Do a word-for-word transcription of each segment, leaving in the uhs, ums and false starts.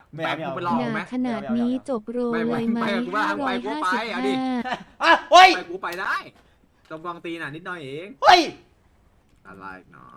ไม่แบเอาบไม่กูเอาไปลองหนาไหมขนาดนี้จบโรเลยไหมไปกูว่าห้าร้ไปอยกูห้าไปสิบเอาดิห้าอ่ะเฮ้ยไปกูไปได้จมกองตีน่ะนิดหน่อยเองเฮ้ยอะไรเนาะ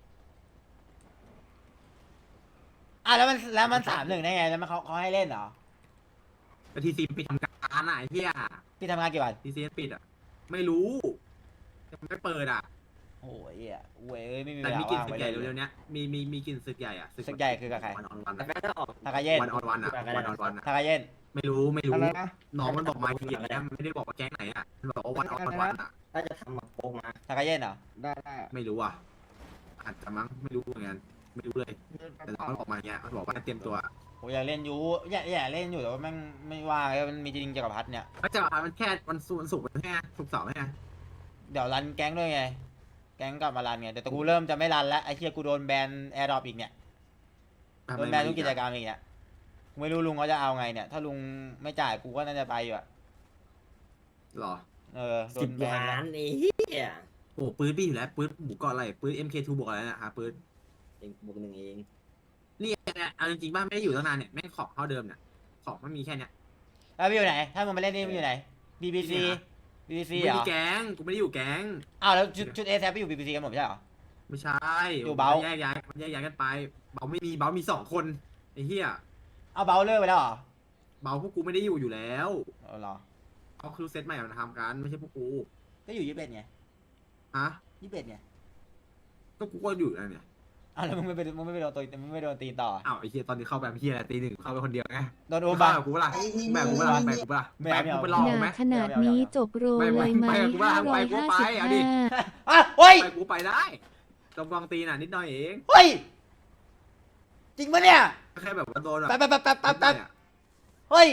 อ่ะแล้วมันแล้วมันสามหนึ่งได้ไงแล้วมันเขาเขาให้เล่นเหรอแต่ทีซีปิดทำการอ่ะไอ้เหี้ยพี่ทำงานกี่วันทีซีปิดอ่ะไม่รู้ยังไม่เปิดอ่ะโอ้ยอ่ะเว้ยไม่มีเวแต่ลามีกลิ่นว่างศึไปกใหญ่เลเร็ยวๆเนี้ยมีมีมีกลิ่นศึกใหญ่อ่ะศึกใหญ่คือกับใครวันออนวันแต่ก็จะออกทากาเย็นวันออนวันอ่ะวันออนวันอ่ะทากาเย็นไม่รู้ไม่รู้อะไรนะน้องมันบอกมาทีเดียวนะมันไม่ได้บอกว่าแก๊งไหนอ่ะมันบอกว่าวันออนวันอ่ะถ้าจะทำมาโปงมาทากาเย็นเหรอได้ได้ไม่รู้อ่ะอาจจะมั้งไม่รู้เหมือนกันไม่รู้เลยแต่น้องมันบอกมาอย่างเงี้ยมันบอกว่าให้เตรียมตัวโอ้ยอยากเล่นอยู่อยากอยากเล่นอยู่แต่ว่าแม่งไม่ว่างแล้วมันมีจริงจักรพรรดิเนี่ยก็จะมันแค่วันศุกร์วันศุกร์มันแค่ศุกร์เสาร์ไงเดี๋ยวรันแก๊งด้วยไง แก๊งกลับมารันไงแต่กูเริ่มจะไม่รันแล้วไอ้เหี้ยกูโดนแบนแอร์ดรอปอีกเนี่ยโดนแบนทุกกิจกรรมอีกเนี่ยกูไม่รู้ลุงเขาจะเอาไงเนี่ยถ้าลุงไม่จ่ายกูก็น่าจะไปอยู่อะหรอเออโดสิบนแบนล้าแล้วนนี่เฮียโอ้ปืนพี่อยู่แล้วปืนหมูเกาะอะไรปืน เอ็ม เค ทู บวกอะไรนะฮะปืนเองบวกหนึ่งเองนี่เนี่ยเอาจริงๆบ้านไม่ได้อยู่ตั้งนานเนี่ยแม่งของเท่าเดิมเนี่ยของมันมีแค่เนี้ยแล้วพี่อยู่ไหน ถ้ามึงไปเล่นนี่มึงอยู่ไหน บี บี ซี บี บีกูซีไม่เหรมีอแก๊งกูไม่ได้อยู่แก๊งอ้าวแล้วชุดชุดเอแซไปอยู่ บี บี ซี กันหมดไม่ใช่เหรอไม่ใช่อยู่เบาแยกย้ายมันแยกย้ายกันไปเบาไม่มีเบามีสองคนไอ้เหี้ยเอาเบลเลอร์ไปแล้วเหรอเบาพวกกูไม่ได้อยู่อยู่แล้วเอาเหรอเขาคือเซตใหม่มาทำกันไม่ใช่พวกกูก็อยู่ยี่สิบเอ็ดไงฮะยี่สิบเอ็ดไงก็กูก็อยู่นะเนี่ยอ้าวแล้วมึงไม่ไปมึงไม่ไปโดนตัวมึงไม่โดนตีต่ออ้าวไอ้เหี้ยตอนนี้เข้าแบบเหี้ยอะไรตีหนึ่งเข้าไปคนเดียวไงโดนโอกูบาแบบกูเปล่าแบบกูเปล่าแบบกูเปล่าไม่แบบเอากูไม่ไปเอาลองหไหมนาขนาดนี้จบโรเลยไหมไม่ไม่ไม่ห้าร้อยไปกูห้าไปสิบเอาดิห้าอ่ะเฮ้ยไปกูไปได้จมกองตีน่ะนิดหน่อยเองเฮ้ย จริงปะเนี่ยแค่แบบว่าโดนแบบแป๊บแป๊บแป๊บแป๊บแป๊บแป๊บเนี่ยเฮ้ย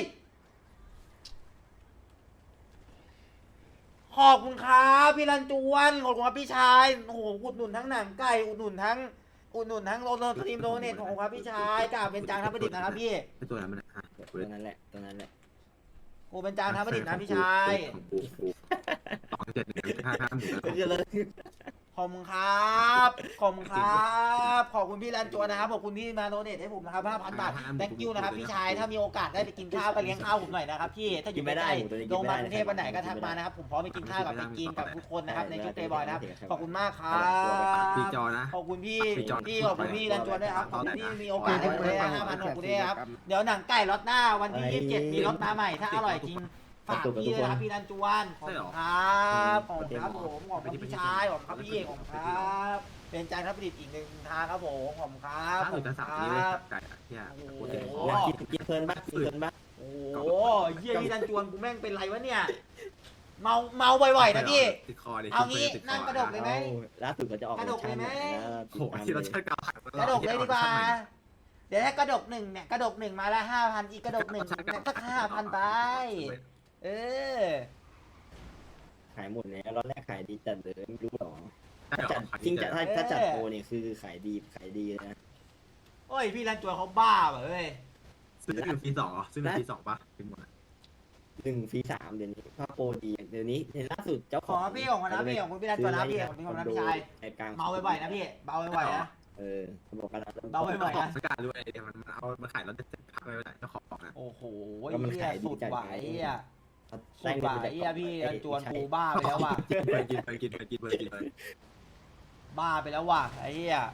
ขอบคุณครับพี่รันจวนขอบคุณครับพี่ชาย โอ้โห อุดหนุนทั้งหนังไก่ อุดหนุนทั้ง อุดหนุนทั้งโรลสตรีมโดเนทของครับพี่ชายกล่าวเป็นจางทัพประดิษฐ์นะครับพี่ไอ้ตัวนั้นมันอะฮะตัวนั้นแหละตัวนั้นแหละกูเป็นจางทัพประดิษฐ์นะพี่ชายของกูกูสองเจ็ดหนึ่งห้าห้าหมื่นแล้วก็เลยขอบคุณครับ ขอบคุณครับ ขอบคุณพี่รันจวนนะครับ ขอบคุณที่มาโดเนทให้ผมนะครับห้าพันบาท thank you นะครับพี่ชาย ถ้ามีโอกาสได้ไปกินข้าวก็เลี้ยงข้าวผมหน่อยนะครับพี่ ถ้าอยู่ใกล้ๆลงมากรุงเทพวันไหนก็ทักมานะครับ ผมพร้อมไปกินข้าวกับไปกินกับทุกคนนะครับในชุดเตย์บอยนะครับ ขอบคุณมากครับปีจอนะขอบคุณพี่พี่จอห์นพี่ขอบคุณพี่รันจวนด้วยครับ ขอบคุณที่มีโอกาสให้ผมได้ห้าพันขอบคุณด้วยครับ เดี๋ยวหนังไก่รถหน้าวันที่ยี่สิบเจ็ดมีรถมาใหม่ ถ้าอร่อยจริง ฝากพี่ด้วยนะครับพี่รันจวนขอบคุณครับขอบคุณครับผมขอบคุณพี่ชายขอบคุณครับพี่ขอบคุณครับ เป็นจานทัพประดิษฐ์อีกหนึ่งทางครับผมขอบคุณครับขอบถ้าสุคุดณจะคสั่งรันี้เลยบไก่อะเนี่ยโอ้โหกูเจ็บคอกินกินเพลินบ้างกินเพลินบ้างโอ้โหเยี่ยพี่รันจวนกูแม่งเป็นไรวะเนี่ย เมาเมาบ่อยๆนะพี่ติดคอดิเอางี้นั่งกระดกเลยไหมล่าสุดก็จะออกกระดกเลยไหมโอ้โหที่เราเชิดกาวขัดกระดกเลยดีกว่า เดี๋ยวถ้ากระดกหนึ่งเนี่ยกระดกหนึ่งมาละห้าพันอีกกระดกหนึ่งสักห้าพันไปเออขายหมดแล้วรอบแรกขายดีจัดเลยไม่รู้หรอใช่หรจัดอจริงจัดถ้าถ้าจัดโปรเนี่ยคือขายดีขายดีเลยนะโอ้ยพี่รันจวนเขาบ้าเปล่าเว้ยซื้อหนึ่งปีสองเหรอซื้อหนึ่งปีสองปะเป็นหมดอะหนึ่งฟรีสามเดี๋ยวนี้ถ้าโปรดีเดี๋ยวนี้ในล่าสุดเจ้าขขอองพี่ของนะพี่ของคุณพี่รันจวนนะพี่ของพี่ของนะพี่ชายไอ้กลางเมาบ่อยๆนะพี่เบาบ่อยๆนะเออเขาบอกกันแล้วเบาบ่อยของสกัดด้วยเดี๋ยวมันเอามาขายแล้วจะพักไปไหนเจ้าของนะโอ้โหเหี้ยสุดหวายอ่ะสุได้ดเงิหนวาไปยจากอ่ะพี่รันจวนกูบ้าไปแล้วว่ะไปกินไปกินไปกินไปกินไปบ้าไปแล้วว่ะไอ้เหี้ย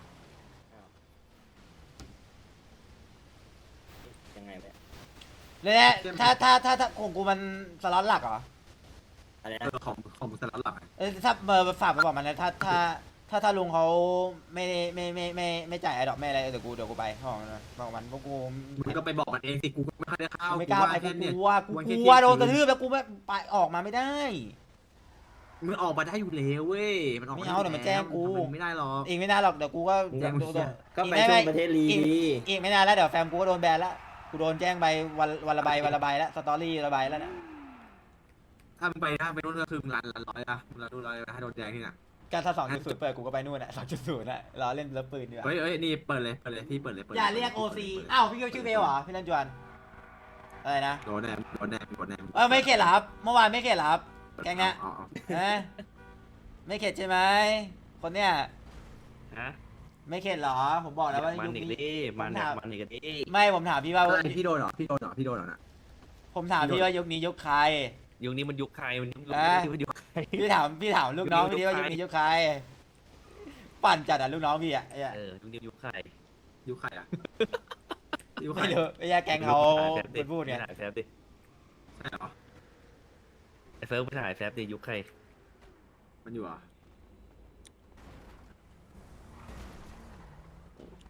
ยังไงไปเลยนะถ้าถ้าถ้าถ้าของกูมันสล็อตหลักเหรออะไรเอนะอของของสลัดหลักเออถ้าเบอร์ฝากไปบอกมันนะถ้าถ้าถ้าถ้าลุงเขาไม่ไม่ไม่ไม่ไม่จ่ายไอ้ดอกไม่อะไรเดี๋ยวกูเดี๋ยวกูไปบอกมันนะบอกมันพวกกูมึงก็ไปบอกมันเองสิกูก็ไม่ค่อยได้เข้าไม่กล้าไปกูเนี่ยกลัวกูกลัวโดนกระทืบแล้วกูไม่ไปออกมาไม่ได้มึงออกมาได้อยู่แล้วเว้ยมันออกไม่เอาเดี๋ยวมันแจ้งกูไม่ได้หรอกอีกไม่นานหรอกเดี๋ยวกูก็มึงเดี๋ยวมึงโดนก็ไปช่วงประเทศลีอีกดีอีกไม่นานแล้วเดี๋ยวแฟมกูก็โดนแบนแล้วกูโดนแจ้งไปวันวันละใบวันละใบแล้วสตอรี่ละใบแล้วนะถ้ามึงไปถ้าไปนู่นก็คือมึงรันรันร้อยอะมึงรันร้อยถ้าโดนแจ้งที่น่ะการถ้าสองจุดศูนย์เปิดกูก็ไปนู่นอ่ะสองจุดศูนย์อ่ะรอเล่นเลิฟปืนดีกว่าเฮ้ยเฮ้ยนี่เปิดเลยเปิดเลยพี่เปิดเลยเปิดอย่าเรียกโอซีอ้าวพี่ก็ชื่อเบลเหรอพี่รันจวนอะไรนะโดนแนมโดนแนมโดนแนมเออไม่เข็ดเหรอครับเมื่อวานไม่เข็ดเหรอครับแกงเนี้ยอ๋อฮะไม่เข็ดใช่ไหมคนเนี้ยฮะไม่เข็ดเหรอผมบอกแล้วว่ามันยุคอีกนี้ดิมันเนี่ยมันอีกดิไม่ผมถามพี่ว่าอะไรพี่โดนเหรอพี่โดนเหรอพี่โดนเหรอน่ะผมถามพี่ว่ายุคนี้ยุคใครยุคนี้มันยุคใครมันยุคอ่ะนี้มันยุคใครพี่ถามพี่ถามลูกน้องพี่ดิว่ายุคนี้ยุคใคร ปั่นจัดอ่ะลูกน้องพี่อ่ะไอ้เหี้ยเออยุคนี้ยุคใครยุคใครอ่ะยุคใครไม่รู้ไอ้เหี้ยแกงเขาแซฟดิเป็นพูดไงถ่ายแซฟดิใช่เหรอไอ้เฟิร์สไปถ่ายแซฟดิยุคใครมันอยู่เหรอ่ะ